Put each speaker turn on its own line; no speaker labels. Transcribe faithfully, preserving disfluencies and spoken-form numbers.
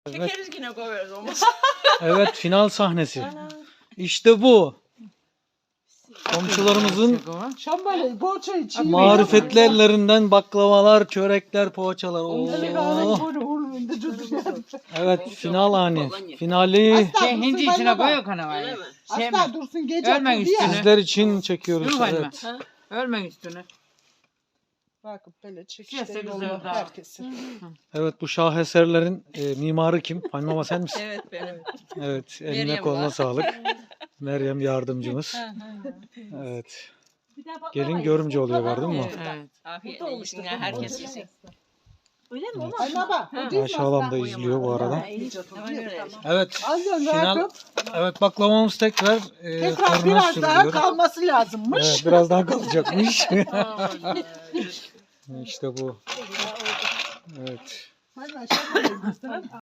Çekeriz yine koyarız onu.
Evet, final sahnesi. İşte bu. Komşularımızın
Şambali, poğaça için.
marifetli ellerinden baklavalar, çörekler, poğaçalar. Oo. Evet, final ani. Finali
Şey hindi içine koyuyor kanavayı. Şey
Asla dursun gece.
Ölme
oturdu ya.
üstüne.
sizler için çekiyoruz.
Dur bakayım.
Evet.
Ölme üstüne.
Bakıp böyle
Sesi
çekişte
güzel
yolunu
daha.
herkesi.
Evet, bu şaheserlerin e, mimarı kim? Hanım Baba sen misin?
Evet benim.
Evet, eline
Meryem
koluna
var.
sağlık. Meryem yardımcımız. Evet. Gelin görümce oluyor gördün mü?
Evet.
Afiyet olsun ya herkes yesin.
Öyle mi?
Evet.
Ay baba.
Ayşe halam da izliyor bu arada.
Hemen öyle.
Evet.
Azdan
Final.
rahat
Evet, baklavamız tekrar e,
Tekrar
fırına
biraz daha
sürülüyor.
kalması lazımmış.
Evet, biraz daha kalacakmış. İşte bu. Evet.
Hadi aşağı